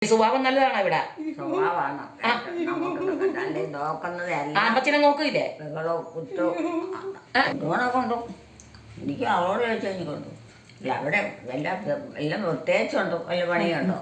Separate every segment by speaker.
Speaker 1: സ്വഭാവം നല്ലതാണോ ഇവിടെ?
Speaker 2: സ്വഭാവമാണ് നോക്കുന്നത്.
Speaker 1: അമ്മച്ചിനെ നോക്കില്ലേ?
Speaker 2: കൊണ്ടു എനിക്ക് അവളോട് ചോദിച്ചാൽ എനിക്ക് കൊണ്ടു. ഇല്ല അവിടെ എല്ലാം പ്രത്യേകിച്ചുണ്ടോ വല്ല പണിയുണ്ടോ?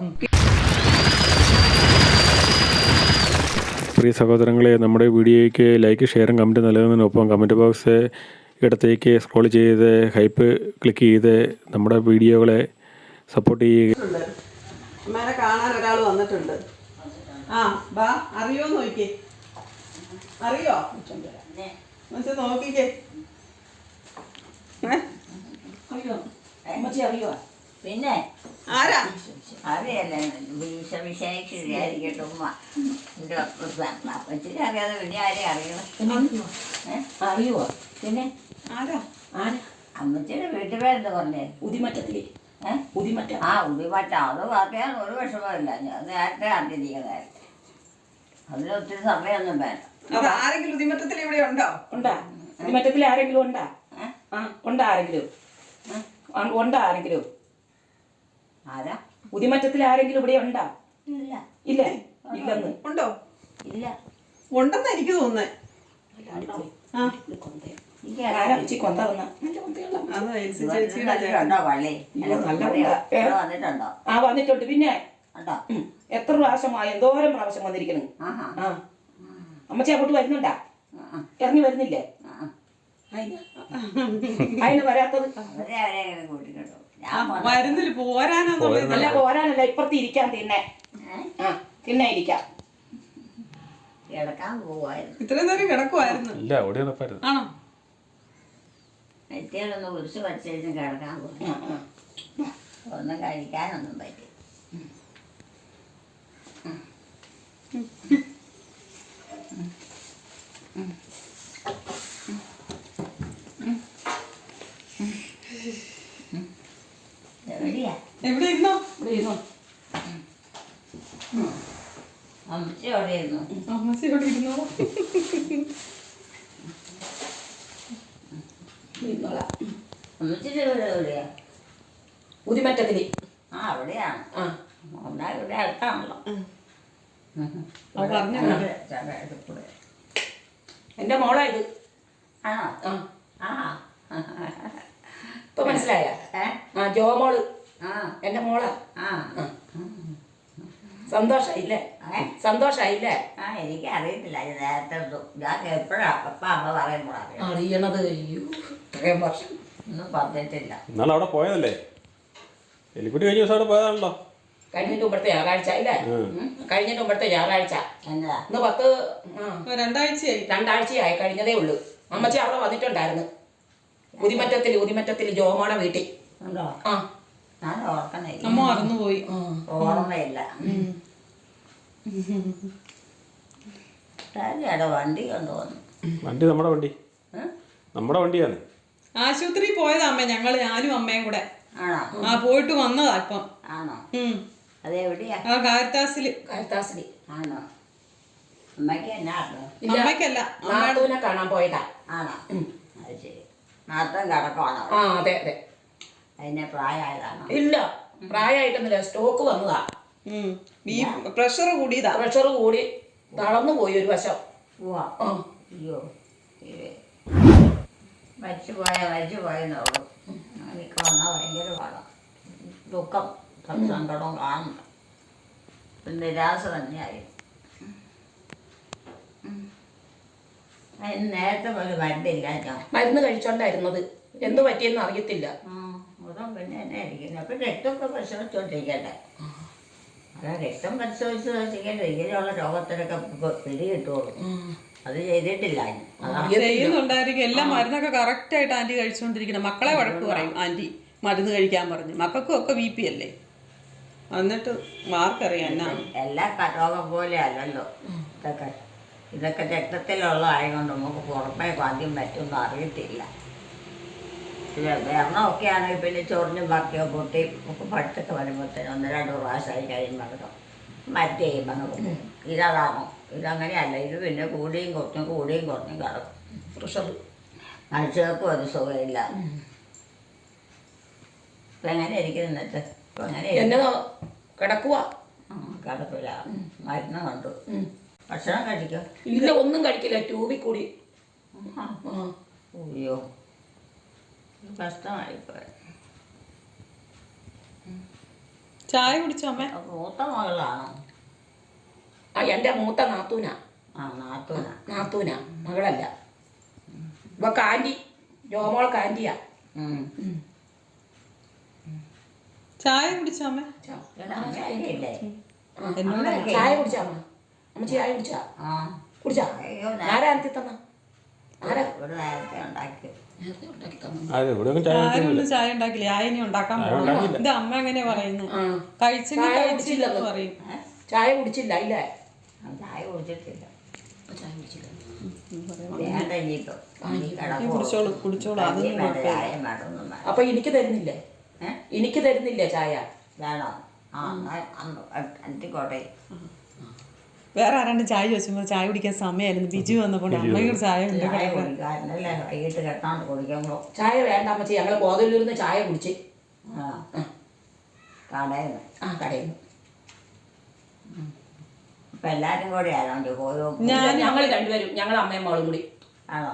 Speaker 3: പ്രിയ സഹോദരങ്ങളെ, നമ്മുടെ വീഡിയോയ്ക്ക് ലൈക്ക്, ഷെയറും കമൻറ്റ് നൽകുന്നതിനൊപ്പം കമൻറ്റ് ബോക്സ് ഇടത്തേക്ക് സ്ക്രോൾ ചെയ്ത് ഹൈപ്പ് ക്ലിക്ക് ചെയ്ത് നമ്മുടെ വീഡിയോകളെ സപ്പോർട്ട് ചെയ്യുക.
Speaker 4: അമ്മേനെ കാണാൻ ഒരാൾ വന്നിട്ടുണ്ട്. ആ ബാ, അറിയോ നോക്കിക്കേ, അറിയോ മനസ്സിൽ നോക്കിക്കേ.
Speaker 2: പിന്നെ
Speaker 4: ആരാ?
Speaker 2: അറിയല്ലേ വിശേഷിയായിരിക്കട്ടെ ഉമ്മ. അപ്പച്ചിനെ അറിയാതെ പിന്നെ ആരെ അറിയണം?
Speaker 1: അറിയുവോ? പിന്നെ
Speaker 4: ആരാ?
Speaker 2: അമ്മച്ചിയുടെ വീട്ടുപേരെന്താ പറഞ്ഞേ?
Speaker 1: ഉദിമറ്റത്തില്. ഉദിമറ്റ.
Speaker 2: ആ ഉദിമറ്റ. അത് പറയാൻ ഒരു വിഷമമില്ല. ഞാൻ നേരത്തെ അറിഞ്ഞിരിക്കുന്നതായിരുന്നു. അതിന് ഒത്തിരി സമയമൊന്നും വേണ്ട.
Speaker 4: അത് ആരെങ്കിലും ഉദിമറ്റത്തിൽ ഇവിടെ ഉണ്ടോ?
Speaker 1: ഉണ്ടാ? ഉദിമറ്റത്തിൽ ആരെങ്കിലും ഉണ്ടാ? ഉണ്ടാ ആരെങ്കിലും? ഉണ്ടാ ആരെങ്കിലും?
Speaker 2: ആരാ?
Speaker 1: ഉദിമറ്റത്തിൽ ആരെങ്കിലും ഇവിടെ ഉണ്ടാ?
Speaker 2: ഇല്ല.
Speaker 1: ഇല്ലേ? ഇല്ലെന്ന്.
Speaker 4: ഉണ്ടോ?
Speaker 2: ഇല്ല.
Speaker 4: ഉണ്ടെന്ന് എനിക്ക് തോന്നുന്നേ.
Speaker 1: വന്നിട്ടുണ്ട്. പിന്നെ എത്ര പ്രാവശ്യമായി? എന്തോരം പ്രാവശ്യം വന്നിരിക്കണം. അമ്മച്ചി അങ്ങോട്ട് വരുന്നുണ്ടാ? ഇറങ്ങി വരുന്നില്ലേ? അതിന് വരാത്തത്
Speaker 4: വരുന്നില്ല.
Speaker 1: അല്ല, പോരാനല്ല, ഇപ്പുറത്ത് ഇരിക്കാൻ. തിന്നെ ഇരിക്കാം.
Speaker 2: കിടക്കാൻ പോവായിരുന്നു.
Speaker 4: ഇത്രയും നേരം കിടക്കുവായിരുന്നു. ആണോ?
Speaker 2: നെറ്റിയിലൊന്ന് കുരിശ് പഠിച്ചേച്ചും കിടക്കാൻ പോയി. ഒന്നും കഴിക്കാനൊന്നും പറ്റി. എവിടെയാ?
Speaker 4: എവിടെ ഇരുന്നോ?
Speaker 1: ഇവിടെ ഇരുന്നോ?
Speaker 2: അമ്മച്ചി എവിടെ ഇരുന്നു?
Speaker 4: അമ്മച്ചി ഇവിടെ ഇരുന്നോ?
Speaker 2: അമ്മച്ചിന്റെ വീട് എവിടെയാ?
Speaker 1: ഉദിമറ്റത്തില്.
Speaker 2: ആ അവിടെയാണ്. ഒന്നാ ഇവിടെ അടുത്താണല്ലോ.
Speaker 1: എന്റെ മോളാ ഇത്.
Speaker 2: ആണോ? ആ
Speaker 1: ഇപ്പൊ മനസ്സിലായ? ജോമോള് എന്റെ മോളാ. സന്തോഷായില്ലേ? സന്തോഷായില്ലേ?
Speaker 2: എനിക്ക് അറിയത്തില്ല. നേരത്തെ ഞാൻ എപ്പോഴാ അപ്പ അമ്മ പറയുമ്പോഴാണ്
Speaker 1: അറിയണത്. അയ്യോ, ഇത്രയും വർഷം
Speaker 2: ഒന്നും പറഞ്ഞിട്ടില്ല.
Speaker 3: എന്നാലും അവിടെ പോയതല്ലേ? എലിക്കുട്ടി കഴിഞ്ഞ ദിവസം അവിടെ പോയതാണല്ലോ.
Speaker 1: കഴിഞ്ഞിട്ട് മുമ്പത്തെ ഞായറാഴ്ച ഇല്ലേ? കഴിഞ്ഞിട്ട് മുമ്പത്തെ ഞായറാഴ്ച.
Speaker 2: എന്താ
Speaker 4: ഇന്ന്
Speaker 1: രണ്ടാഴ്ചയായി. കഴിഞ്ഞതേ ഉള്ളൂ. അമ്മച്ചി അവിടെ വന്നിട്ടുണ്ടായിരുന്നു. ഉദിമറ്റത്തിൽ ജോമോടെ വീട്ടിൽ.
Speaker 2: ഉണ്ടോ? ഞാൻ ഓർക്കണില്ല.
Speaker 4: അമ്മ മറന്നുപോയി.
Speaker 2: ഓർമ്മയില്ല. വണ്ടി കൊണ്ടുവന്നു.
Speaker 3: വണ്ടി നമ്മുടെ വണ്ടിയാണ്.
Speaker 4: ആശുപത്രി പോയതാ അമ്മ. ഞാനും അമ്മയും കൂടെ.
Speaker 2: ആണോ?
Speaker 4: പോയിട്ട് വന്നതാ ഇപ്പം.
Speaker 2: ആണോ? അതെവിടെയാ?
Speaker 4: കാരിത്താസില്.
Speaker 2: ആണോ? അമ്മയ്ക്ക് എന്നാ?
Speaker 4: അമ്മയ്ക്കല്ല,
Speaker 1: നാത്തൂനെ കാണാൻ പോയതാ.
Speaker 2: ആണോ? അത് ശരി. നാത്തം കിടക്കുവാണോ?
Speaker 1: അതെ അതെ.
Speaker 2: അതിനെ പ്രായമായതാണോ?
Speaker 1: ഇല്ല, പ്രായമായിട്ടൊന്നുമില്ല. സ്റ്റോക്ക് വന്നതാ.
Speaker 4: പ്രഷർ കൂടിയതാ.
Speaker 1: പ്രഷർ കൂടി തളർന്നു പോയി ഒരു വശം.
Speaker 2: അയ്യോ, മരിച്ചു പോയെന്നുള്ളൂ. എനിക്ക് വന്നാൽ ഭയങ്കര പാടാം. ദുഃഖം, സങ്കടവും കാണുന്നു. നിരാശ തന്നെയായി. അതിന് നേരത്തെ പോലെ മരുന്നില്ല.
Speaker 1: മരുന്ന് കഴിച്ചോണ്ടായിരുന്നത്. എന്ത് പറ്റിയെന്ന് അറിയത്തില്ല.
Speaker 2: അതും പിന്നെ എന്നെ ഇരിക്കുന്നത്. അപ്പം രക്തമൊക്കെ പരിശോധിച്ചോണ്ടിരിക്കട്ടെ. അല്ല, രക്തം പരിശോധിച്ചിരിക്കട്ടെ. ഇങ്ങനെയുള്ള രോഗത്തിനൊക്കെ പിടികിട്ടുള്ളൂ. അത് ചെയ്തിട്ടില്ല.
Speaker 4: ചെയ്യുന്നുണ്ടായിരിക്കും. എല്ലാം മരുന്നൊക്കെ കറക്റ്റ് ആയിട്ട് ആന്റി കഴിച്ചുകൊണ്ടിരിക്കണം. മക്കളെ വഴക്ക് പറയും ആന്റി മരുന്ന് കഴിക്കാൻ പറഞ്ഞു. മക്കൾക്കും ഒക്കെ BP അല്ലേ? എന്നിട്ട് മാർക്കറിയാം എന്നാ.
Speaker 2: എല്ലാ രോഗം പോലെ അല്ലല്ലോ ഇതൊക്കെ രക്തത്തിലുള്ളതായതുകൊണ്ട് നമുക്ക് പുറമേ ആദ്യം പറ്റുമെന്ന് അറിയത്തില്ല. വെള്ളമൊക്കെ ആണെങ്കിൽ പിന്നെ ചൊറിഞ്ഞും ബാക്കിയോ പൊട്ടി ഒക്കെ പഠിത്തൊക്കെ വരുമ്പോഴത്തേനും 1-2 പ്രാവശ്യമായി കഴിയുമ്പോൾ മറ്റേ ചെയ്യുമ്പോൾ ഇതാണോ? ഇതങ്ങനെയല്ല. ഇത് പിന്നെ കൂടിയും കുറഞ്ഞും കിടക്കും.
Speaker 1: പ്രഷർ
Speaker 2: മനുഷ്യർക്കും ഒരു സുഖമില്ല. ഇപ്പം എങ്ങനെ ഇരിക്കുന്നിട്ട്?
Speaker 1: എന്നെ കിടക്കുക
Speaker 2: കിടപ്പില്ല, മരുന്ന് കണ്ടു. ഭക്ഷണം കഴിക്കോ?
Speaker 1: ഇല്ല, ഒന്നും കഴിക്കില്ല, ട്യൂബിൽ കൂടി.
Speaker 2: അയ്യോ, കഷ്ടമായിപ്പോയി.
Speaker 4: ചായ കുടിച്ചോ അമ്മ?
Speaker 2: മൂത്ത മകളാണോ?
Speaker 1: എൻ്റെ മൂത്ത നാത്തൂനാ. നാത്തൂനാ, മകളല്ല. ഇപ്പൊ കാൻറ്റി, ജോമോൾ കാൻറ്റിയാ.
Speaker 4: ചായ കുടിച്ചോ അമ്മ?
Speaker 1: ചായ കുടിച്ചാ അമ്മ? അമ്മച്ചി ചായ കുടിച്ചാ? കുടിച്ചാ? ആരാ അനത്തി തന്ന? ആരാ
Speaker 4: ചായ ഉണ്ടാക്കില്ല, ആയിനി ഉണ്ടാക്കാൻ പോകണം. ഇത് അമ്മ എങ്ങനെയാ പറയുന്നത്? കഴിച്ചില്ലെന്ന് പറയും.
Speaker 1: ചായ കുടിച്ചില്ല ഇല്ലേ?
Speaker 2: ചായ കുടിച്ചിട്ടില്ല.
Speaker 1: ചായ കുടിച്ചില്ല.
Speaker 4: കുടിച്ചോളൂ.
Speaker 1: അപ്പൊ എനിക്ക് തരുന്നില്ലേ? എനിക്ക് തരുന്നില്ലേ ചായ?
Speaker 2: വേണോ? അന്തിക്കോട്ടെ.
Speaker 4: വേറെ ആരാണ്ട് ചായ ചോദിച്ചപ്പോൾ ചായ കുടിക്കാൻ സമയമായിരുന്നു. ബിജു വന്നപ്പോൾ അമ്മയോട് ചായ
Speaker 2: കുടിക്കാറിനല്ലേ വൈകിട്ട് കെട്ടാണ്ട് കുടിക്കുമ്പോൾ.
Speaker 1: ചായ വേണ്ട അമ്മച്ചി, ഞങ്ങൾ ബോധമില്ലിരുന്ന് ചായ കുടിച്ച്.
Speaker 2: കടയിൽ
Speaker 1: നിന്ന്.
Speaker 2: ഇപ്പൊ എല്ലാരും കൂടെ ആണോ പോയോ?
Speaker 1: ഞങ്ങൾ രണ്ടുപേരും, ഞങ്ങൾ അമ്മയും മകളും കൂടി.
Speaker 2: ആണോ?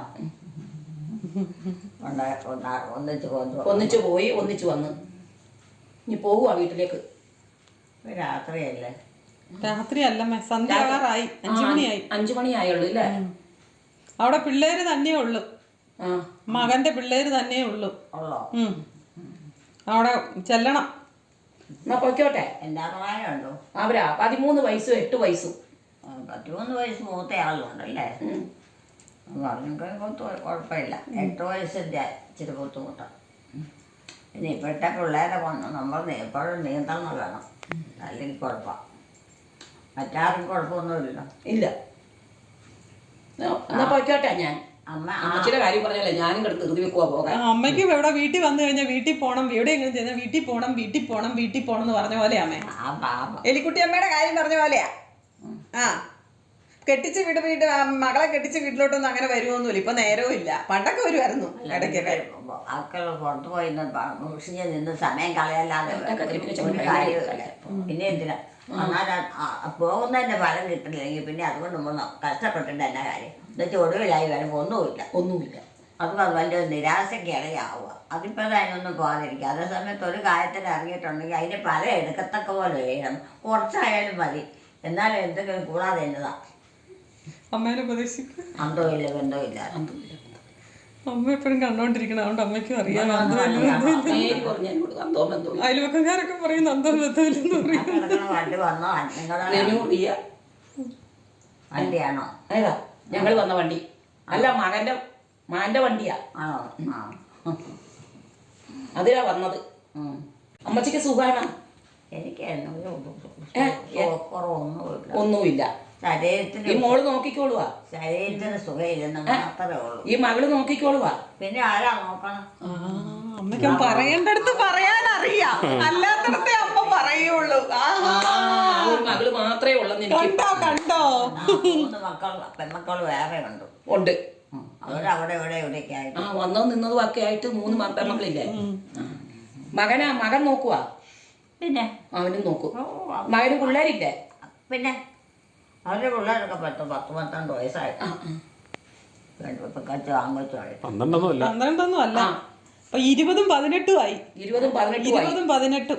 Speaker 1: ഒന്നിച്ച് പോയി, ഒന്നിച്ച് വന്ന്. ഇനി പോവുക വീട്ടിലേക്ക്.
Speaker 2: രാത്രിയല്ലേ?
Speaker 4: രാത്രി അല്ലമ്മേ, സന്ധ്യാകാറായി. 5 മണിയായി.
Speaker 1: 5 മണിയായുള്ളൂ ഇല്ലേ?
Speaker 4: അവിടെ പിള്ളേര് തന്നെ ഉള്ളു, മകന്റെ പിള്ളേര് തന്നെ ഉള്ളു. അവിടെ ചെല്ലണം.
Speaker 1: എന്നാ പൊയ്ക്കോട്ടെ.
Speaker 2: എന്താ പ്രായമുണ്ടോ
Speaker 1: അവരാ? 13 വയസ്സും 8 വയസ്സും.
Speaker 2: 13 വയസ്സ് മൂത്ത ആളുണ്ടല്ലേ? പറഞ്ഞൊക്കെ കുഴപ്പമില്ല. 8 വയസ്സിൻ്റെ ഇച്ചിരി ബുദ്ധിമുട്ടാണ്. പിന്നെ ഇപ്പോഴത്തെ പിള്ളേരെ നമ്മൾ എപ്പോഴും നിയന്ത്രണം വേണം, അല്ലെങ്കിൽ കുഴപ്പമാണ്. മറ്റാർക്കും കുഴപ്പമൊന്നുമില്ല.
Speaker 1: ഇല്ല. എന്നാ പൊയ്ക്കോട്ടെ ഞാൻ. അമ്മച്ചിയുടെ കാര്യം പറഞ്ഞല്ലേ, ഞാനും കിടന്ന് ധൃതി വെക്കുവാ പോകാൻ.
Speaker 4: അമ്മയ്ക്ക് ഇവിടെ വീട്ടിൽ വന്നു കഴിഞ്ഞാൽ വീട്ടിൽ പോകണം, എവിടെയെങ്കിലും ചെന്നാൽ വീട്ടിൽ പോകണം എന്ന് പറഞ്ഞ പോലെയാ അമ്മേ. എലിക്കുട്ടി അമ്മയുടെ കാര്യം പറഞ്ഞ പോലെയാ. കെട്ടിച്ച് മകളെ കെട്ടിച്ച് വീട്ടിലോട്ടൊന്നും അങ്ങനെ വരുമൊന്നുമില്ല. ഇപ്പൊ നേരവും ഇല്ല. പണ്ടൊക്കെ വരുമായിരുന്നു ഇടയ്ക്കൊക്കെ.
Speaker 2: ആൾക്കാർ പുറത്തു പോയി നിന്ന് സമയം കളയല്ലാതെ പിന്നെ എന്തിനാ? എന്നാൽ പോകുന്നതിന്റെ ഫലം കിട്ടില്ലെങ്കിൽ പിന്നെ അതുകൊണ്ട് നമ്മൾ കഷ്ടപ്പെട്ടിട്ട് എന്നാ കാര്യം? എന്നുവെച്ചാൽ ഒടുവിലായി വരുമ്പോൾ ഒന്നുമില്ല. അത് വലിയ നിരാശയ്ക്കാണ് ആവുക. അതിപ്പോൾ അതിനൊന്നും പോകാതിരിക്കുക. അതേ സമയത്ത് ഒരു കാര്യത്തിൽ ഇറങ്ങിയിട്ടുണ്ടെങ്കിൽ അതിന് പല എടുക്കത്തക്ക പോലെ ചെയ്യണം. കുറച്ചായാലും മതി, എന്നാലും എന്തെങ്കിലും കൂടാതെ എന്നതാ.
Speaker 4: അമ്മേനെ ഉപദേശിക്കും.
Speaker 2: അന്തമില്ല ബന്ധമില്ല.
Speaker 4: അമ്മ എപ്പോഴും കണ്ടോണ്ടിരിക്കണം, അതുകൊണ്ട് അമ്മയ്ക്കും അറിയാം. അയൽവക്കക്കാരൊക്കെ പറയും അന്തം ബന്ധമില്ലെന്ന് പറയും.
Speaker 2: വണ്ടി വന്നോ? വണ്ടിയാണോ?
Speaker 1: ഏതാ ഞങ്ങൾ വന്ന വണ്ടി? അല്ല, മാന്റെ വണ്ടിയാ.
Speaker 2: ആണോ?
Speaker 1: അതിലാ വന്നത്. അമ്മച്ചിക്ക് സുഖാണോ?
Speaker 2: എനിക്ക്
Speaker 1: ഒന്നുമില്ല.
Speaker 2: ശരീരത്തിന്
Speaker 1: ഈ മോള് നോക്കിക്കോളുവാ.
Speaker 2: ശരീരത്തിന് സുഖമില്ലെന്ന് മാത്രമേ ഉള്ളൂ.
Speaker 1: ഈ മകള് നോക്കിക്കോളുവാ.
Speaker 2: പിന്നെ ആരാ നോക്കണം?
Speaker 4: അമ്മയ്ക്ക് പറയേണ്ടടുത്ത് പറയാനറിയാം, അല്ലാത്തടത്തെ അമ്മ പറയുള്ളൂ.
Speaker 1: മകള് മാത്രമേ ഉള്ളൂ.
Speaker 4: കണ്ടോ?
Speaker 2: 3 പെൺമക്കൾ വേറെ ഉണ്ട്. അവരവിടെ ഇവിടെയൊക്കെ ആയിട്ട്
Speaker 1: വന്നോ നിന്നതും ഒക്കെ ആയിട്ട് 3 പെൺമക്കളില്ലേ? മകൻ നോക്കുവാ.
Speaker 2: പിന്നെ
Speaker 1: അവനും നോക്കും. മകന് പിള്ളേരില്ലേ?
Speaker 2: പിന്നെ അവരുടെ പിള്ളേരൊക്കെ 10-12 വയസ്സായി.
Speaker 4: 12 അല്ല, 20-18 ആയി. 20-18.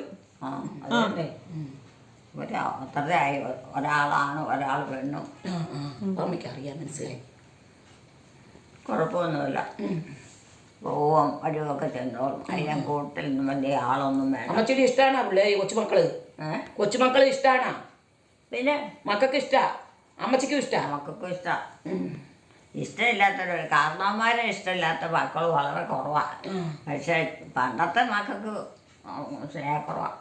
Speaker 2: അത്രയായി. ഒരാളാണ്, ഒരാൾ പെണ്ണും.
Speaker 1: അമ്മയ്ക്കറിയാം, മനസ്സിലായി.
Speaker 2: കുഴപ്പമൊന്നുമില്ല. പോവും വഴിയൊക്കെ ചെന്നോളും. അതിനെ കൂട്ടിൽ നിന്നും വലിയ ആളൊന്നും വേണം.
Speaker 1: അമ്മച്ചിയുടെ ഇഷ്ടമാണോ പിള്ളേര്? കൊച്ചുമക്കള് ഇഷ്ടമാണോ?
Speaker 2: പിന്നെ
Speaker 1: മക്കൾക്ക് ഇഷ്ടാ, അമ്മച്ചിക്കും ഇഷ്ടാ?
Speaker 2: മക്കൾക്കും ഇഷ്ടം. ഇഷ്ടമില്ലാത്തൊരു കാരണവന്മാരെ ഇഷ്ടമില്ലാത്ത മക്കൾ വളരെ കുറവാണ്. പക്ഷെ പണ്ടത്തെ മക്കൾക്ക് സ്നേഹക്കുറവാണ്.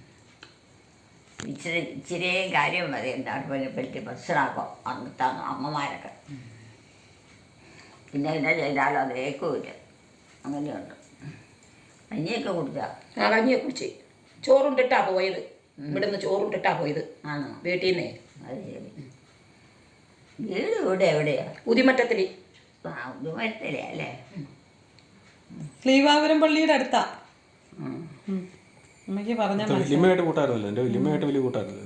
Speaker 2: ഇച്ചിരിയും കാര്യം മതി എല്ലാവരും പറ്റി മനസ്സിലാക്കും അന്നത്തെ അമ്മമാരൊക്കെ. പിന്നെ എന്നാ ചെയ്താലും അത് ഏക്കുമില്ല. അങ്ങനെയുണ്ട്. കഞ്ഞിയൊക്കെ കുടിച്ചാ?
Speaker 1: കഞ്ഞിയൊക്കെ കുടിച്ച്. ചോറുണ്ടിട്ടാ പോയത്. ഇവിടുന്ന് ചോറുണ്ടിട്ടാ പോയത്.
Speaker 2: ആണോ?
Speaker 1: വീട്ടിൽ നിന്നേ.
Speaker 2: അത് ശരി. വീട് ഇവിടെ എവിടെയാ?
Speaker 1: പുതിമറ്റത്തില്.
Speaker 2: പുതിമറ്റത്തിലേ അല്ലേ?
Speaker 4: ശ്രീവാപുരം പള്ളിയുടെ അടുത്താ. അമ്മയ്ക്ക് പറഞ്ഞാൽ
Speaker 3: വല്യമ്മയായിട്ട് കൂട്ടായിരുന്നല്ലോ, എൻ്റെ വല്യമ്മയായിട്ട് വലിയ കൂട്ടായിരുന്നത്.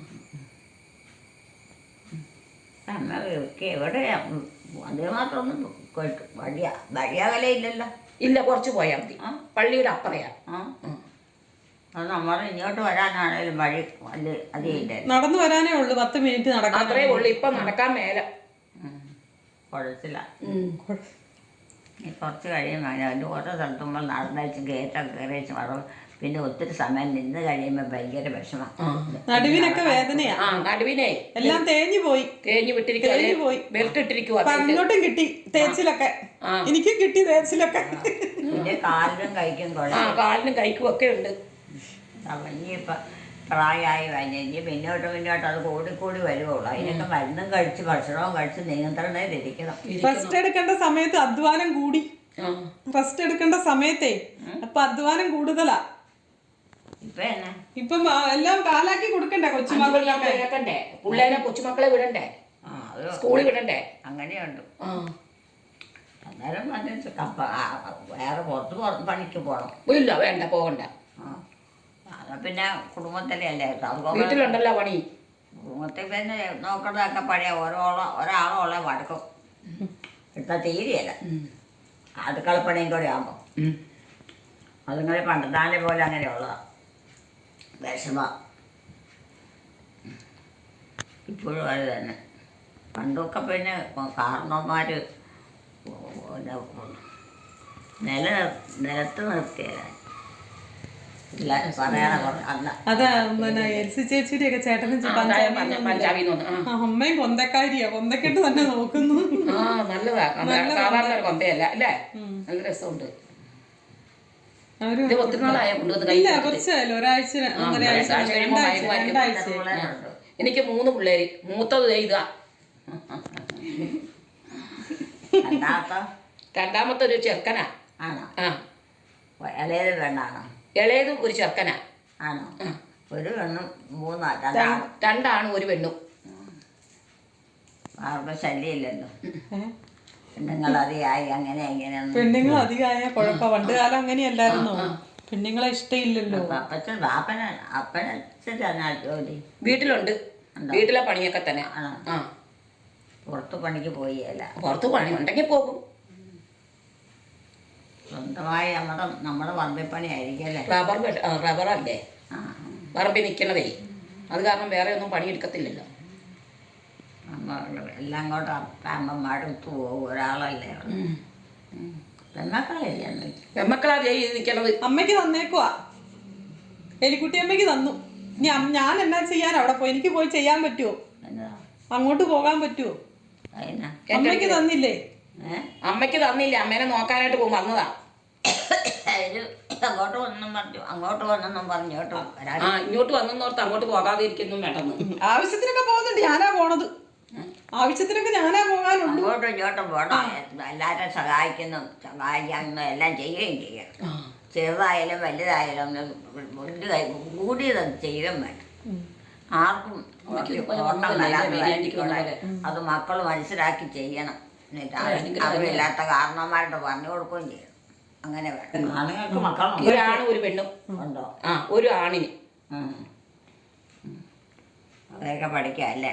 Speaker 2: അമ്മ എവിടെയാ അതേ മാത്രമൊന്നും വഴിയാകലയില്ലല്ലോ.
Speaker 1: ഇല്ല, കുറച്ച് പോയാൽ മതി. പള്ളിയുടെ അപ്പറയാ.
Speaker 2: അത് നമ്മൾ ഇങ്ങോട്ട് വരാനാണേലും വഴി വലിയ അധികമില്ല.
Speaker 4: നടന്നു വരാനേ ഉള്ളൂ, 10 മിനിറ്റ് നടക്കാൻ.
Speaker 1: അത്രേ ഉള്ളു. ഇപ്പൊ നടക്കാൻ മേല.
Speaker 2: കുഴച്ചില്ല. കുറച്ച് കഴിയുമ്പോൾ അതിൻ്റെ ഓരോ സ്ഥലത്തും നമ്മൾ നടന്നേച്ച് കയറ്റം കയറിച്ച് വളവ് പിന്നെ ഒത്തിരി സമയം നിന്ന് കഴിയുമ്പോൾ ഭയങ്കര വിഷമം.
Speaker 4: നടുവിനൊക്കെ വേദനയാ.
Speaker 1: നടുവിനെ
Speaker 4: എല്ലാം തേഞ്ഞു പോയി.
Speaker 1: തേഞ്ഞു വിട്ടിരിക്കുക. ബെൽറ്റ് ഇട്ടിരിക്കുക.
Speaker 4: അങ്ങോട്ടും കിട്ടി തേച്ചിലൊക്കെ. എനിക്കും കിട്ടി തേച്ചിലൊക്കെ.
Speaker 2: പിന്നെ കാലിനും കൈക്കും
Speaker 1: കാലിനും കൈക്കും ഒക്കെ ഉണ്ട്.
Speaker 2: ഇനിയിപ്പം പ്രായമായി കഴിഞ്ഞ് പിന്നോട്ട് അത് കൂടി വരുവുള്ളൂ. അതിനൊക്കെ മരുന്നും കഴിച്ച് ഭക്ഷണവും കഴിച്ച് നിയന്ത്രണത്തിലിരിക്കണം.
Speaker 4: റെസ്റ്റ് എടുക്കേണ്ട സമയത്ത് അധ്വാനം കൂടി. റെസ്റ്റ് എടുക്കേണ്ട സമയത്തേ അപ്പൊ അധ്വാനം കൂടുതലാ. ഇപ്പം എല്ലാം കാലാക്കി കൊടുക്കണ്ടേ കൊച്ചുമക്കളൊക്കെ.
Speaker 1: പിള്ളേരെ കൊച്ചുമക്കളെ വിടണ്ടേ, സ്കൂളിൽ വിടണ്ടേ.
Speaker 2: അങ്ങനെയുണ്ട്. അന്നേരം വേറെ പുറത്ത് പണിക്ക് പോകണം.
Speaker 1: ഇല്ല, വേണ്ട, പോകണ്ട.
Speaker 2: പിന്നെ കുടുംബത്തിലെ അല്ലേ,
Speaker 1: വീട്ടിലുണ്ടല്ലോ പണി.
Speaker 2: കുടുംബത്തിൽ പിന്നെ നോക്കുന്നതൊക്കെ പഴയ ഒരാളോളെ വടക്കും ഇപ്പം തീരെയല്ല. അടുക്കളപ്പണിയും കൂടെ ആകുമ്പോൾ അതുങ്ങൾ പണ്ടത്താനെ പോലെ അങ്ങനെയുള്ള വിഷമ ഇപ്പോഴും അത് തന്നെ. പണ്ടൊക്കെ പിന്നെ കാരണവന്മാർ നിലത്ത് നിർത്തിയല്ല.
Speaker 4: അതാ പിന്നെ എൽസി ചേച്ചിയുടെ ഒക്കെ ചേട്ടനും അമ്മയും കൊന്തക്കാരിയാ. കൊന്തക്കെട്ട് തന്നെ നോക്കുന്നു.
Speaker 1: നല്ലതാ, സാധാരണ ഒരു കൊന്തയല്ല അല്ലേ. നല്ല രസമുണ്ട്. ഒത്തിരി നാളായ
Speaker 4: ഇല്ല, കുറച്ചായാലും ഒരാഴ്ച 2
Speaker 1: എനിക്ക് 3 പിള്ളേര്. മൂത്തത് ഇതാ. രണ്ടാമത്തെ ഒരു ചെറുക്കനാ. ഇളയതും ഒരു ചെറുക്കനാ.
Speaker 2: ഒരു പെണ്ണും
Speaker 1: 2 ആണും 1 പെണ്ണും.
Speaker 2: ശല്യമില്ലല്ലോ. പെണ്ണുങ്ങളധികമായി അങ്ങനെ ഇങ്ങനെയൊന്നും.
Speaker 4: പെണ്ണുങ്ങൾ അധികമായ കുഴപ്പം. പണ്ട് കാലം അങ്ങനെയല്ലായിരുന്നോ? പെണ്ണുങ്ങളെ ഇഷ്ടമില്ലല്ലോ.
Speaker 2: അപ്പനച്ഛനാ ജോലി?
Speaker 1: വീട്ടിലുണ്ട്. വീട്ടിലെ പണിയൊക്കെ തന്നെ.
Speaker 2: പുറത്ത് പണിക്ക് പോയല്ല.
Speaker 1: പുറത്ത് പണി ഉണ്ടെങ്കിൽ പോകും.
Speaker 2: സ്വന്തമായി നമ്മുടെ പറമ്പിപ്പണി ആയിരിക്കല്ലേ.
Speaker 1: റബ്ബറല്ലേ പറമ്പിൽ നിൽക്കണതേ. അത് കാരണം വേറെ ഒന്നും പണിയെടുക്കത്തില്ലല്ലോ.
Speaker 2: എല്ലാം കൂടെ അമ്മമാരെടുത്ത് പോകും. ഒരാളല്ലേ പെമ്മക്കളില്ല.
Speaker 1: പെമ്മക്കളാ നിൽക്കണത്.
Speaker 4: അമ്മയ്ക്ക് തന്നേക്കുവാ. എലിക്കുട്ടി അമ്മയ്ക്ക് തന്നു. ഇനി ഞാൻ എന്നാ ചെയ്യാൻ അവിടെ പോയി? എനിക്ക് പോയി ചെയ്യാൻ പറ്റുമോ? അങ്ങോട്ട് പോകാൻ പറ്റുമോ? അമ്മയ്ക്ക് തന്നില്ലേ?
Speaker 1: അമ്മയ്ക്ക് തന്നില്ല. അമ്മേനെ നോക്കാനായിട്ട് വന്നതാ.
Speaker 2: അങ്ങോട്ട് വന്നെന്നും പറഞ്ഞോട്ടോ.
Speaker 1: ഇങ്ങോട്ട് വന്നോർത്ത് അങ്ങോട്ട് പോകാതിരിക്കുന്നു വേണ്ടെന്ന്.
Speaker 4: ആവശ്യത്തിനൊക്കെ പോകുന്നുണ്ട്. ഞാനാ പോണത്. ആവശ്യത്തിനൊക്കെ ഞാനാ പോകാനുണ്ട്.
Speaker 2: അങ്ങോട്ടും ഇങ്ങോട്ടും പോകണം. എല്ലാവരും സഹായിക്കാനും എല്ലാം ചെയ്യുകയും ചെയ്യണം. ചെറുതായാലും വലുതായാലും കൂടിയത് ചെയ്യുകയും വേണം. ആർക്കും അത് മക്കൾ മനസ്സിലാക്കി ചെയ്യണം. അറിവില്ലാത്ത കാരണന്മാരുടെ പറഞ്ഞു കൊടുക്കുകയും ചെയ്യണം. അങ്ങനെ വേണം. ആണുങ്ങൾക്ക് മക്കളുണ്ട്.
Speaker 1: ഒരാണും 1 പെണ്ണും
Speaker 2: ഉണ്ടോ?
Speaker 1: ഒരു ആണിന്.
Speaker 2: അതൊക്കെ പഠിക്കാം അല്ലേ?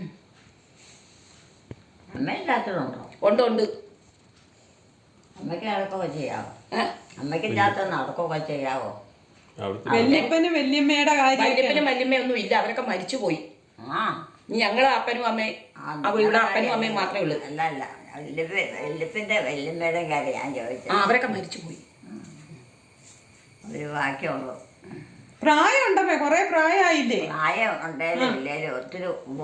Speaker 2: അമ്മയില്ലാത്തതുണ്ടോ?
Speaker 1: ഉണ്ട്.
Speaker 2: അമ്മയ്ക്ക് നടക്കുകയൊക്കെ ചെയ്യാവോ? അമ്മയ്ക്കില്ലാത്ത നടക്കുകയൊക്കെ ചെയ്യാവോ?
Speaker 4: വല്യപ്പനും വല്യമ്മയുടെ കാര്യം.
Speaker 1: വല്യപ്പനും വല്യമ്മയൊന്നും ഇല്ല, അവരൊക്കെ മരിച്ചുപോയി. ഞങ്ങള് അപ്പനും അമ്മയും ഇവിടെ അപ്പനും അമ്മയും മാത്രമേ ഉള്ളൂ.
Speaker 2: അല്ല വല്യപ്പൻ്റെ വല്യമ്മയുടെ കാര്യം ഞാൻ ചോദിച്ചത്.
Speaker 1: അവരൊക്കെ മരിച്ചുപോയി.
Speaker 2: ഒരു ബാക്കിയുള്ളൂ.
Speaker 4: പ്രായം ഉണ്ടമ്മേ, കൊറേ പ്രായമായില്ലേ?
Speaker 2: പ്രായം ഉണ്ടേലും ഇല്ലേലും ഒത്തിരി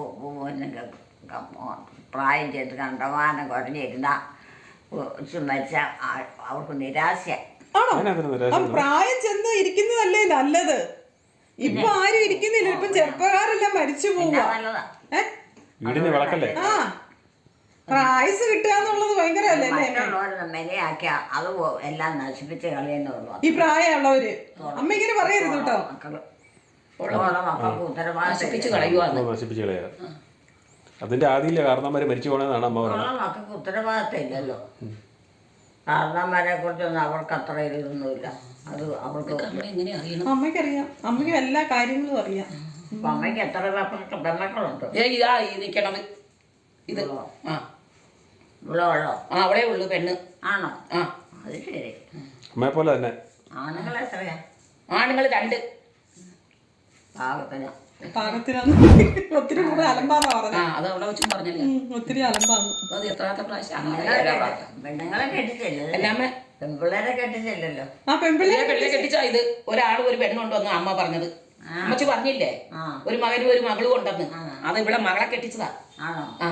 Speaker 2: പ്രായം ചെയ്ത് കണ്ടമാനം കുറഞ്ഞിരുന്ന മരിച്ചാൽ അവർക്ക് നിരാശ.
Speaker 4: പ്രായം ചെന്ന് ഇരിക്കുന്നതല്ലേ നല്ലത്. ഇപ്പൊ ആരും ഇരിക്കുന്നില്ല. ഇപ്പം ചെറുപ്പക്കാരെല്ലാം മരിച്ചു പോവുക. ആ, പ്രായസ് കിട്ടുക എന്നുള്ളത് ഭയങ്കര അല്ലേ?
Speaker 2: മെനയാക്കിയ അത് എല്ലാം നശിപ്പിച്ച് കളയുന്നുള്ളൂ
Speaker 4: ഈ പ്രായമുള്ളവര്. അമ്മ ഇങ്ങനെ പറയരുത് കേട്ടോ.
Speaker 2: മക്കൾക്ക്
Speaker 1: നശിപ്പിച്ച് കളയുക.
Speaker 3: അതിന്റെ ആദ്യമില്ല കാരണന്മാര് മരിച്ചു പോണെന്നാണ് അമ്മ പറയുന്നത്.
Speaker 2: മക്കൾക്ക് ഉത്തരവാദിത്തം ഇല്ലല്ലോ. കാരണന്മാരെ കുറിച്ചൊന്നും അവർക്ക് അത്ര ഇതൊന്നുമില്ല. അത് അവൾക്ക്
Speaker 1: അമ്മ എങ്ങനെ അറിയണം?
Speaker 4: അമ്മയ്ക്കറിയാം, അമ്മയ്ക്ക് എല്ലാ കാര്യങ്ങളും അറിയാം.
Speaker 2: അപ്പൊ അമ്മയ്ക്ക് എത്ര പെമ്മക്കളുണ്ട്?
Speaker 1: ഇതാ ഈ നിക്കണത് ഇത്. ആ
Speaker 2: ഇവിടെ ഉള്ളോ?
Speaker 1: ആ അവളേ ഉള്ളു പെണ്ണ്.
Speaker 2: ആണോ?
Speaker 1: ആ
Speaker 2: അത് ശരി.
Speaker 3: അമ്മയെ പോലെ തന്നെ.
Speaker 2: ആണുങ്ങൾ എത്രയാ?
Speaker 1: ആണുങ്ങൾ 2.
Speaker 2: പാകത്തിന്.
Speaker 4: പാകത്തിനാണ്. ഒത്തിരി കൂടെ അലമ്പാന്ന്
Speaker 1: ആ
Speaker 4: പറഞ്ഞത്.
Speaker 1: അത് അവിടെ വെച്ചും പറഞ്ഞല്ലേ.
Speaker 4: ഒത്തിരി അലമ്പാന്ന്.
Speaker 1: അത് എത്രാമത്തെ പ്രാവശ്യം
Speaker 2: പെണ്ണുങ്ങളെ കെട്ടിച്ചില്ലല്ലോ.
Speaker 1: എല്ലാമേ
Speaker 2: പെൺപിള്ളേരെ കെട്ടിച്ചില്ലല്ലോ.
Speaker 4: ആ പെൺപിള്ളേ
Speaker 1: പെണ്ണിനെ കെട്ടിച്ചാ ഇത് ഒരാളും ഒരു പെണ്ണുണ്ടെന്ന് അമ്മ പറഞ്ഞത്. അമ്മച്ചി പറഞ്ഞില്ലേ ഒരു മകനും ഒരു മകളും ഉണ്ടെന്ന്. അത് ഇവിടെ മകളെ കെട്ടിച്ചതാ.
Speaker 2: ആണോ?
Speaker 1: ആ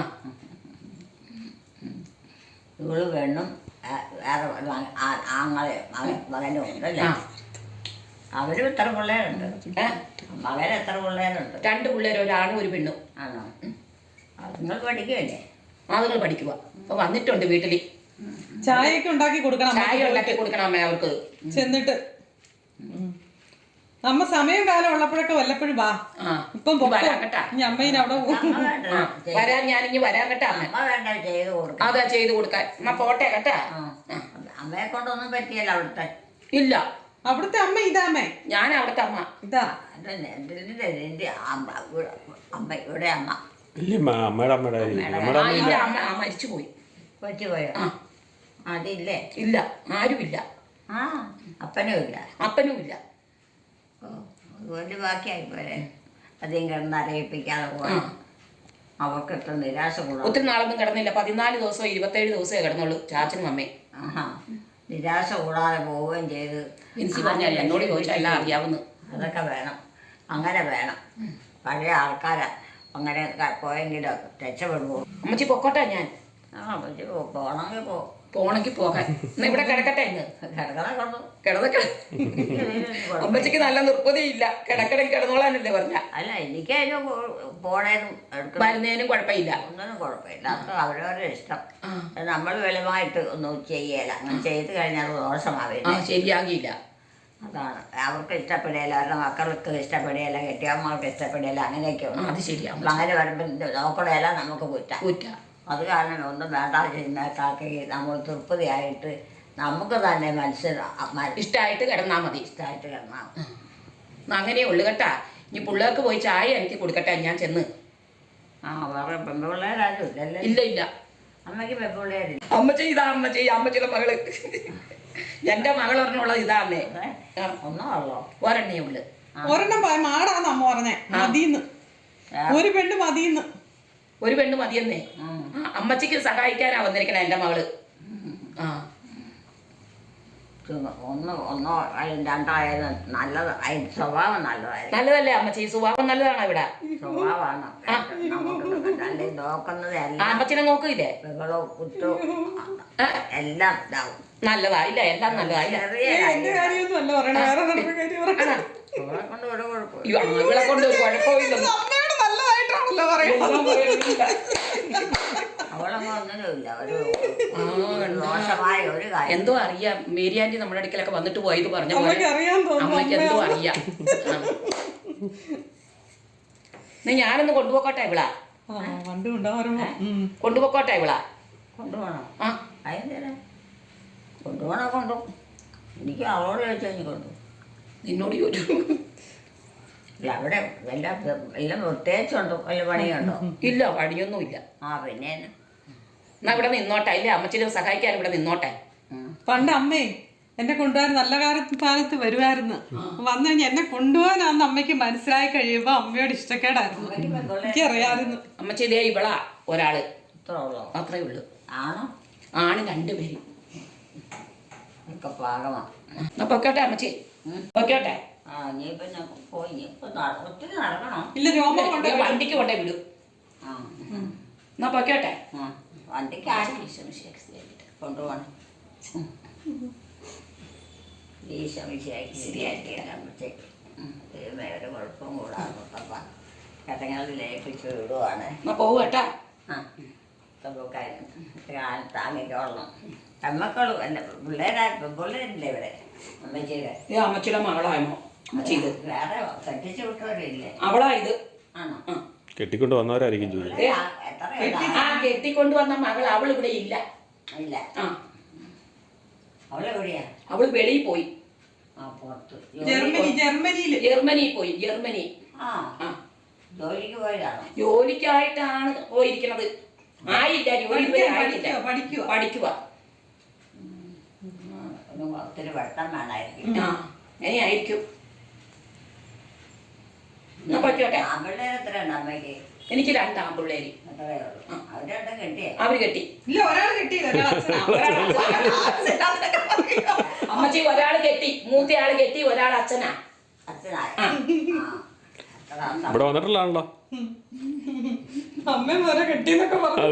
Speaker 2: ഇവള് പെണ്ണും വേറെ ആങ്ങളെ മകനും ഉണ്ടല്ലേ? അവരും എത്ര പിള്ളേരുണ്ട്? മകൻ എത്ര പിള്ളേരുണ്ട്?
Speaker 1: 2 പിള്ളേർ, ഒരാണും ഒരു പെണ്ണും.
Speaker 2: ആണോ? നിങ്ങൾ പഠിക്കുമല്ലേ?
Speaker 1: അതുങ്ങൾ പഠിക്കുക. അപ്പൊ വന്നിട്ടുണ്ട് വീട്ടില്.
Speaker 4: ചായയൊക്കെ ഉണ്ടാക്കി കൊടുക്കണം.
Speaker 1: ചായ ഉണ്ടാക്കി കൊടുക്കണം അമ്മ അവർക്ക്.
Speaker 4: ചെന്നിട്ട് അമ്മ സമയം കാലം ഉള്ളപ്പോഴൊക്കെ വല്ലപ്പോഴും വാ. ഇപ്പം
Speaker 1: വരാൻ കേട്ടാ.
Speaker 4: ഇനി അമ്മയിന് അവിടെ
Speaker 1: വരാൻ ഞാനിഞ്ഞ് വരാൻ കേട്ടാ അമ്മ.
Speaker 2: അമ്മ വേണ്ട ചെയ്ത് കൊടുക്കാം.
Speaker 1: അതാ ചെയ്ത് കൊടുക്കാൻ. അമ്മ പോട്ടെ കേട്ടാ.
Speaker 2: അമ്മയെ കൊണ്ടൊന്നും പറ്റിയല്ല അവിടുത്തെ.
Speaker 1: ഇല്ല
Speaker 4: അവിടുത്തെ അമ്മ ഇതാമേ.
Speaker 1: ഞാൻ അവിടുത്തെ അമ്മ.
Speaker 4: ഇതാ
Speaker 2: എന്റെ അമ്മ ഇവിടെ അമ്മ
Speaker 3: ഇല്ലമ്മ, അമ്മയുടെ അമ്മയുടെ
Speaker 1: ആ ഇല്ല അമ്മ മരിച്ചു പോയി.
Speaker 2: പറ്റുപോയോ? അതില്ലേ?
Speaker 1: ഇല്ല ആരുമില്ല.
Speaker 2: ആ അപ്പനും ഇല്ല.
Speaker 1: അപ്പനും ഇല്ല.
Speaker 2: അതുകൊണ്ട് ബാക്കിയായിപ്പോലെ അധികം കിടന്ന് അറിയിപ്പിക്കാതെ പോയി. അവർക്ക് എത്ര നിരാശ കൂടാ.
Speaker 1: ഒത്തിരി നാളൊന്നും കിടന്നില്ല. 14 ദിവസമോ 27 ദിവസമേ കിടന്നുള്ളൂ ചാച്ചനും അമ്മയും.
Speaker 2: ആഹാ, നിരാശ കൂടാതെ പോവുകയും ചെയ്ത്.
Speaker 1: എനിക്ക് പറഞ്ഞല്ല, എന്നോട് ചോദിച്ചാൽ എല്ലാം അറിയാവുന്നു.
Speaker 2: അതൊക്കെ വേണം, അങ്ങനെ വേണം. പഴയ ആൾക്കാരാ അങ്ങനെ പോയെങ്കിലും രക്ഷപ്പെടുമോ?
Speaker 1: അമ്മച്ചി പൊക്കോട്ടെ ഞാൻ.
Speaker 2: പക്ഷെ പോണെങ്കിൽ
Speaker 1: പോണെങ്കിൽ പോകാൻ. എന്നാ ഇവിടെ കിടക്കട്ടെ ഇന്ന്.
Speaker 2: കിടക്കണ കൊണ്ടു
Speaker 1: കിടന്നൊക്കെ അമ്മച്ചിക്ക് നല്ല നിർബന്ധയില്ല. കിടക്കണമെങ്കിൽ കിടന്നോളാനല്ലേ പറഞ്ഞ.
Speaker 2: അല്ല, എനിക്ക് അതിന് പോണേനും
Speaker 1: വരുന്നതിനും കുഴപ്പമില്ല.
Speaker 2: ഒന്നിനും കുഴപ്പമില്ല. അത് അവരവരുടെ ഇഷ്ടം. നമ്മൾ വെളിവായിട്ട് ഒന്നും ചെയ്യല. അങ്ങനെ ചെയ്ത് കഴിഞ്ഞാൽ ദോഷമാവില്ല,
Speaker 1: ശരിയാകില്ല.
Speaker 2: അതാണ്. അവർക്ക് ഇഷ്ടപ്പെടുകയില്ല, അവരുടെ മക്കൾക്ക് ഇഷ്ടപ്പെടുകയില്ല, കെട്ടിയമ്മമാർക്ക് ഇഷ്ടപ്പെടുകയില്ല, അങ്ങനെയൊക്കെ ഉണ്ട്.
Speaker 1: അത് ശരിയാ.
Speaker 2: അങ്ങനെ വരുമ്പോൾ നോക്കണേല നമുക്ക് കുറ്റ. അത് കാരണം ഒന്നും വേണ്ട ചെയ്യുന്നേക്കാക്കി നമ്മൾ തൃപ്തിയായിട്ട് നമുക്ക് തന്നെ
Speaker 1: ഇഷ്ടമായിട്ട് കിടന്നാ മതി.
Speaker 2: ഇഷ്ടമായിട്ട് കിടന്നാൽ
Speaker 1: അങ്ങനെയേ ഉള്ളു കേട്ടാ. ഇനി പിള്ളേർക്ക് പോയി ചായ എനിക്ക് കൊടുക്കട്ടെ ഞാൻ ചെന്ന്.
Speaker 2: വേറെ പെൺപിള്ളേരാരും ഇല്ലല്ലേ?
Speaker 1: ഇല്ല ഇല്ല.
Speaker 2: അമ്മയ്ക്ക് പെൺപിള്ളേരില്ല.
Speaker 1: അമ്മച്ചി ഇതാ അമ്മച്ചിയുടെ മകള്. എന്റെ മകൾ ഒരെണ്ണമുള്ളത് ഇതാന്നേ.
Speaker 2: ഒന്നോ ഉള്ളോ?
Speaker 1: ഒരെണ്ണേ ഉള്ളു.
Speaker 4: ഒരെണ്ണം മാടാന്ന് അമ്മ പറഞ്ഞേ. മതിന്ന് ഒരു പെണ്ണ് മതിന്ന്.
Speaker 1: ഒരു പെണ്ണ് മതിയെന്നേ. അമ്മച്ചിക്ക് സഹായിക്കാനാ വന്നിരിക്കണ എന്റെ മകള്.
Speaker 2: ഒന്നോ രണ്ടായാലും നല്ലത്. സ്വഭാവം നല്ലതായിരുന്നു.
Speaker 1: നല്ലതല്ലേ അമ്മച്ചി? സ്വഭാവം നല്ലതാണോ ഇവിടെ?
Speaker 2: സ്വഭാവമാണ് നമുക്ക് നോക്കുന്നത്.
Speaker 1: അമ്മച്ചിനെ നോക്കില്ലേ?
Speaker 2: ബഹളവും കുറ്റവും എല്ലാം ഇതാവും.
Speaker 1: നല്ലതാ. ഇല്ല എല്ലാം നല്ലതാ.
Speaker 4: കാര്യമൊന്നും അല്ല പറയണ, വേറെ കാര്യം
Speaker 2: കൊണ്ട് ഇവിടെ കുഴപ്പമില്ല.
Speaker 1: ഇവളെ കൊണ്ട് കുഴപ്പമില്ല.
Speaker 4: നല്ലതായിട്ടാണല്ലോ പറയുന്നത്.
Speaker 2: അവളൊന്നും ഒന്നിനുമില്ല. ഒരു ദോഷമായ ഒരു കാര്യം
Speaker 1: എന്തോ അറിയാം. മേരി ആന്റി നമ്മുടെ അടുക്കലൊക്കെ വന്നിട്ട് പോയത് പറഞ്ഞ
Speaker 4: അമ്മയ്ക്ക് അറിയാൻ തോന്നുന്നു.
Speaker 1: അമ്മയ്ക്ക് എന്തോ അറിയാം. ഞാനൊന്ന് കൊണ്ടുപോക്കോട്ടെ ഇവിളാ. കൊണ്ടുപോക്കോട്ടെ ഇവിളാ.
Speaker 2: കൊണ്ടുപോകണം. അതിന് കൊണ്ടുപോകണ കൊണ്ടു. എനിക്ക് അവളോട് ചോദിച്ചാൽ നീ കൊണ്ടു.
Speaker 1: നിന്നോട് ചോദിച്ചു.
Speaker 2: ഇല്ല, അവിടെ എല്ലാം പ്രത്യേകിച്ചുണ്ടോ? വല്ല പണിയുണ്ടോ?
Speaker 1: ഇല്ല, പണിയൊന്നും ഇല്ല.
Speaker 2: പിന്നെ
Speaker 1: എന്നാ ഇവിടെ നിന്നോട്ടെ. ഇല്ലേ അമ്മച്ചിനെ സഹായിക്കാൻ ഇവിടെ നിന്നോട്ടെ.
Speaker 4: പണ്ട് അമ്മേ എന്നെ കൊണ്ടുപോകാൻ നല്ല കാലത്ത് വരുമായിരുന്നു. വന്നു കഴിഞ്ഞാൽ എന്നെ കൊണ്ടുപോകാനാന്ന് അമ്മയ്ക്ക് മനസ്സിലായി കഴിയുമ്പോ അമ്മയോട് ഇഷ്ടക്കേടായിരുന്നു. എനിക്കറിയാമായിരുന്നു.
Speaker 1: അമ്മച്ചി ഇതേ ഇവളാ ഒരാള്.
Speaker 2: അത്രേ
Speaker 1: ഉള്ളു.
Speaker 2: ആണോ?
Speaker 1: ആണ് 2 പേര്.
Speaker 2: പാകമാണ്.
Speaker 1: എന്നാ പൊക്കോട്ടെ അമ്മച്ചി. പൊക്കോട്ടെ.
Speaker 2: ഒത്തിരി നടക്കണോ?
Speaker 4: ഇല്ല, രോമം കൊണ്ട്
Speaker 1: വണ്ടിക്ക് കൊണ്ടേ വിടും. എന്നാ പൊക്കോട്ടെ.
Speaker 2: വണ്ടിക്ക് കൊണ്ടുപോകണം. ഒരു കുഴപ്പം കൂടാതെ കഥകളിൽ ലയിപ്പിച്ച് വിടുവാണ്.
Speaker 1: എന്നാ പോവുകേട്ടാ.
Speaker 2: താങ്ങിക്കോളണം. അമ്മക്കളും അല്ല പിള്ളേരാ പിള്ളേരില്ലേ ഇവിടെ? അമ്മച്ചിയുടെ
Speaker 1: അമ്മച്ചിയുടെ മകളായമോ അമ്മച്ചി? ഇത്
Speaker 2: വേറെ കെട്ടിച്ചു വിട്ടവരില്ലേ?
Speaker 1: അവളാ ഇത്.
Speaker 2: ആണോ?
Speaker 3: കെട്ടിക്കൊണ്ട് വന്നവരായിരിക്കും ജോലി.
Speaker 1: കെട്ടിക്കൊണ്ട് വന്ന മകൾ അവൾ ഇവിടെ ഇല്ല.
Speaker 2: ഇല്ല. അവളെവിടെയാ?
Speaker 1: അവള് വെളിയിൽ പോയി.
Speaker 2: ആ പുറത്ത്
Speaker 4: ജർമ്മനിയില്
Speaker 1: ജർമ്മനി പോയി, ജർമ്മനി.
Speaker 2: ആ
Speaker 1: ആ,
Speaker 2: ജോലിക്ക് പോയതാണോ?
Speaker 1: ജോലിക്കായിട്ടാണ് പോയിരിക്കണത്. ആയില്ല, ജോലി ഇതുവരെ ആയില്ല. പഠിക്കുക.
Speaker 2: ഒത്തിരി വെട്ടം വേണമായിരിക്കും.
Speaker 1: ആ, അങ്ങനെയായിരിക്കും. എന്നാ പറ്റോട്ടെ.
Speaker 2: ആമ്പിള്ളേർ എത്രയുണ്ട് അമ്മയ്ക്ക്?
Speaker 1: എനിക്ക് 2 ആൺപിള്ളേര്.
Speaker 2: എത്രയേ ഉള്ളൂ? അവരുടെ കെട്ടിയേ?
Speaker 1: അവര് കെട്ടി.
Speaker 4: ഇല്ല, ഒരാൾ കിട്ടിയില്ല.
Speaker 1: അമ്മച്ചി ഒരാള് കെട്ടി, മൂത്തയാള് കെട്ടി, ഒരാൾ അച്ഛനാ.
Speaker 2: അച്ഛനായ
Speaker 3: ഇവിടെ വന്നിട്ടുള്ളതാണല്ലോ.
Speaker 4: അമ്മ മോനെ കെട്ടിന്നൊക്കെ പറഞ്ഞു.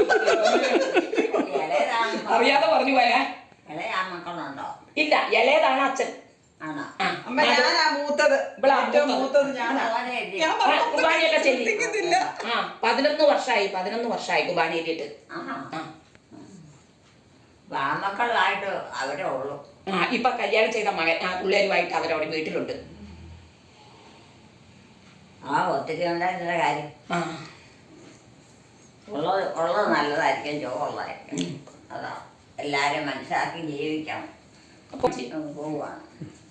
Speaker 2: ഇളയതാണ്.
Speaker 1: അറിയാതെ പറഞ്ഞു പോയാ.
Speaker 2: ഇളയ മക്കളുണ്ടോ?
Speaker 1: ഇല്ല, ഇളയതാണ് അച്ഛൻ.
Speaker 2: ആണോ?
Speaker 4: അമ്മ ഞാനാ മൂത്തത്. ഏറ്റവും മൂത്തത് ഞാനാ. ഞാൻ
Speaker 1: കുർബാനയൊക്കെ ചെല്ലി.
Speaker 4: ശ്രദ്ധിക്കുന്നില്ല.
Speaker 1: 11 വർഷമായി കുർബാന ചൊല്ലിയിട്ട്.
Speaker 2: ആൺമക്കളായിട്ട് അവരേ ഉള്ളൂ.
Speaker 1: ഇപ്പൊ കല്യാണം ചെയ്ത മകൻ ആ പിള്ളേരുമായിട്ട് അവരവിടെ വീട്ടിലുണ്ട്.
Speaker 2: ഒത്തിരി ഉണ്ടായിരുന്ന കാര്യം. ഉള്ളത് നല്ലതായിരിക്കും, ചോറുള്ളതായിരിക്കും. അതാ എല്ലാരും മനസ്സിലാക്കി ജീവിക്കണം. പോവാണ്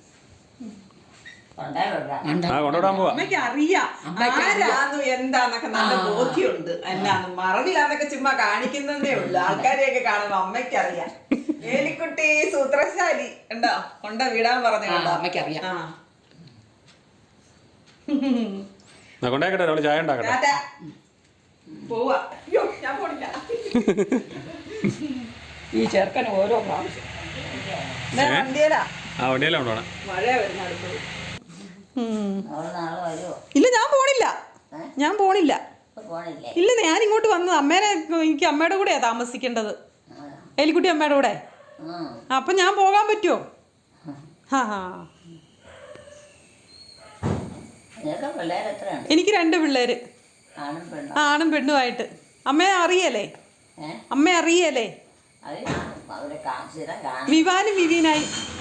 Speaker 3: കൊണ്ടുവിടാൻ പോവാ.
Speaker 4: അമ്മയ്ക്ക് അറിയാം ആരാന്നു എന്താന്നൊക്കെ നല്ല ബോധ്യമുണ്ട്. എന്നാന്ന് മറവിലാന്നൊക്കെ ചുമ്മാ കാണിക്കുന്നതേ ഉള്ളു. ആൾക്കാരെയൊക്കെ കാണുമ്പോ അമ്മയ്ക്കറിയാം. ഏലിക്കുട്ടി സൂത്രശാലി ഉണ്ടോ, കൊണ്ട വിടാൻ പറഞ്ഞു.
Speaker 1: അമ്മയ്ക്കറിയാം.
Speaker 3: കൊണ്ടേക്കട്ടെ, അവള് ചായ ഉണ്ടാക്കട്ടെ.
Speaker 4: പോവാ. അയ്യോ, ഞാൻ പോണില്ല.
Speaker 1: ഈ ചെറുക്കന് ഓരോ പ്രാവശ്യം
Speaker 4: വണ്ടിയിലാ.
Speaker 3: ആ വണ്ടിയിലാ കൊണ്ടുപോണേ.
Speaker 4: മഴ വരുന്ന അടുത്തത്.
Speaker 2: നാളെ വരുമോ?
Speaker 4: ഇല്ല, ഞാൻ പോണില്ല. ഞാൻ പോണില്ല.
Speaker 2: പോണില്ലേ?
Speaker 4: ഇല്ല, ഞാൻ ഇങ്ങോട്ട് വന്നത് അമ്മേനെ, എനിക്ക് അമ്മയുടെ കൂടെയാ താമസിക്കേണ്ടത്. എലിക്കുട്ടി അമ്മയുടെ കൂടെ. അപ്പൊ ഞാൻ പോകാൻ പറ്റുമോ? എനിക്ക് 2 പിള്ളേര്, ആണും പെണ്ണുമായിട്ട്. അമ്മയെ അറിയല്ലേ? അമ്മ അറിയല്ലേ? വിവാനും വിവീനായി.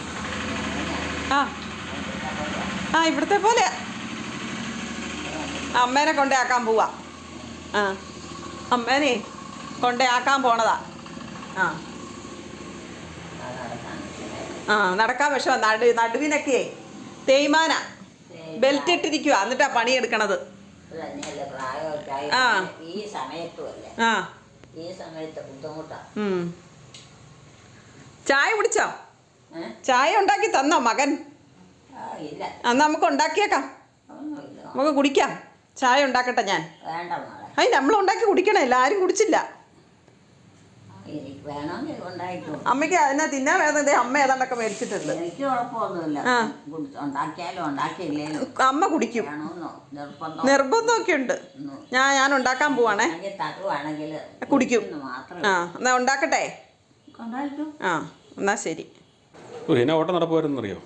Speaker 4: ആ ഇവിടുത്തെ പോലെ അമ്മേനെ കൊണ്ടേക്കാൻ പോവാ. അമ്മേനെ കൊണ്ടേക്കാൻ പോണതാ. നടക്കാൻ വിഷമ. നടുവിനൊക്കെ തേയ്മാന, ബെൽറ്റ് ഇട്ടിരിക്കുക. എന്നിട്ടാ പണിയെടുക്കണത്. ചായ കുടിച്ചോ? ചായ ഉണ്ടാക്കി തന്നോ മകൻ? അന്ന് നമുക്ക് ഉണ്ടാക്കിയേക്കാം, നമുക്ക് കുടിക്കാം. ചായ ഉണ്ടാക്കട്ടെ ഞാൻ. അയ്യ, നമ്മൾ ഉണ്ടാക്കി കുടിക്കണേ, എല്ലാരും കുടിച്ചില്ല. അമ്മയ്ക്ക് അതിനെ തിന്നാൻ വേദന. അമ്മ ഏതാണ്ടൊക്കെ മേടിച്ചിട്ടുണ്ട്. അമ്മ കുടിക്കും. നിർബന്ധമൊക്കെ ഉണ്ട്. ഞാൻ ഉണ്ടാക്കാൻ പോവാണേ. കുടിക്കും. എന്നാ ഉണ്ടാക്കട്ടെ. എന്നാ ശരി.
Speaker 3: എന്നെ ഓട്ടം നടക്കുമായിരുന്നറിയോ?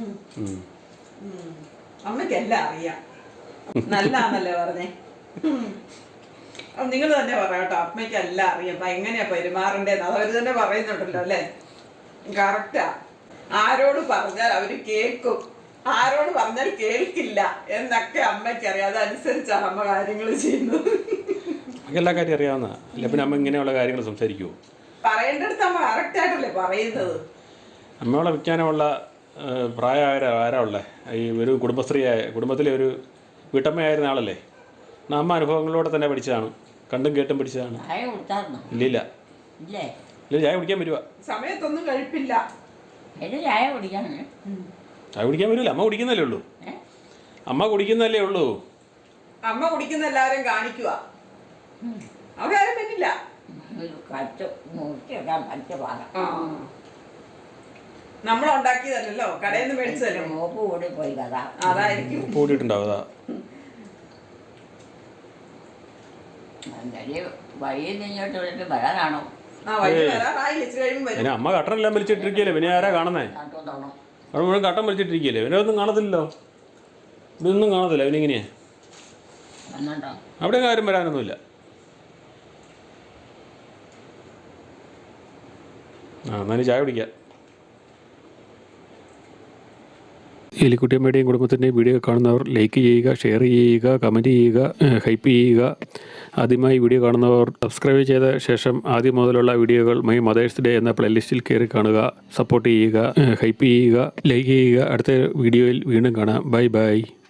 Speaker 4: അമ്മയ്ക്കെല്ലാം അറിയാം. നല്ലാന്നല്ലേ പറഞ്ഞേ? നിങ്ങൾ തന്നെ പറയാട്ടോ. അമ്മയ്ക്ക് എല്ലാം അറിയാം. അപ്പൊ എങ്ങനെയാ പെരുമാറേണ്ടതെന്ന് അതവര് തന്നെ പറയുന്നുണ്ടല്ലോ അല്ലേ? കറക്റ്റാ. ആരോട് പറഞ്ഞാൽ അവര് കേൾക്കും, ആരോട് പറഞ്ഞാൽ കേൾക്കില്ല എന്നൊക്കെ അമ്മയ്ക്കറിയാം. അതനുസരിച്ചാണ് അമ്മ കാര്യങ്ങൾ ചെയ്യുന്നത്.
Speaker 3: എല്ലാ കാര്യം അറിയാവുന്ന അല്ല പിന്നെ അമ്മ ഇങ്ങനെയുള്ള കാര്യങ്ങൾ സംസാരിക്കുമോ?
Speaker 4: പറയേണ്ടടുത്ത് അമ്മ കറക്റ്റായിട്ടല്ലേ പറയുന്നത്.
Speaker 3: അമ്മയോളെ വിൽക്കാനുള്ള പ്രായമായ ആരാ ഉള്ളത്? ഈ ഒരു കുടുംബത്തിലെ ഒരു വീട്ടമ്മയായിരുന്ന ആളല്ലേ? അമ്മ അനുഭവങ്ങളിലൂടെ തന്നെ പഠിച്ചതാണ്, കണ്ടും കേട്ടും പഠിച്ചതാണ്. ഇല്ല ചായ കുടിക്കാൻ വരുവാ.
Speaker 4: സമയത്തൊന്നും കഴിപ്പില്ല.
Speaker 2: ചായ കുടിക്കാൻ
Speaker 3: വരില്ല. അമ്മ കുടിക്കുന്നല്ലേ ഉള്ളൂ. അമ്മ കുടിക്കുന്നല്ലേ ഉള്ളൂ.
Speaker 4: അമ്മ കുടിക്കുന്ന എല്ലാവരും കാണിക്കുക. അവരാരും പറ്റില്ല. നമ്മളുണ്ടാക്കിയതല്ലോ, കടയിൽ നിന്ന് മേടിച്ചതല്ലോ.
Speaker 2: മോപ്പ് കൂടി പോയി കഥ.
Speaker 4: അതായിരിക്കും
Speaker 3: കൂടിയിട്ടുണ്ടാവും.
Speaker 2: വഴിയിൽ നിന്നോട്ട് വിളിച്ച് വരാനാണോ?
Speaker 3: അമ്മ കട്ടനെല്ലാം വലിച്ചിട്ടിരിക്കല്ലേ, പിന്നെ ആരാ കാണുന്നേ? അവിടെ മുഴുവൻ കട്ടൻ വലിച്ചിട്ടിരിക്കല്ലേ, പിന്നെ ഒന്നും കാണത്തില്ലല്ലോ. ഇതൊന്നും കാണത്തില്ല. പിന്നെ എങ്ങനെയാ? അവിടെ ആരും വരാനൊന്നുമില്ല. എന്നാലും ചായ കുടിക്കാം. എലിക്കുട്ടിയമ്മയുടെയും കുടുംബത്തിൻ്റെയും വീഡിയോ കാണുന്നവർ ലൈക്ക് ചെയ്യുക, ഷെയർ ചെയ്യുക, കമൻറ്റ് ചെയ്യുക, ഹൈപ്പ് ചെയ്യുക. ആദ്യമായി വീഡിയോ കാണുന്നവർ സബ്സ്ക്രൈബ് ചെയ്ത ശേഷം ആദ്യം മുതലുള്ള വീഡിയോകൾ മൈ മദേഴ്സ് ഡേ എന്ന പ്ലേലിസ്റ്റിൽ കയറി കാണുക, സപ്പോർട്ട് ചെയ്യുക, ഹൈപ്പ് ചെയ്യുക, ലൈക്ക് ചെയ്യുക. അടുത്ത വീഡിയോയിൽ വീണ്ടും കാണാം. Bye by.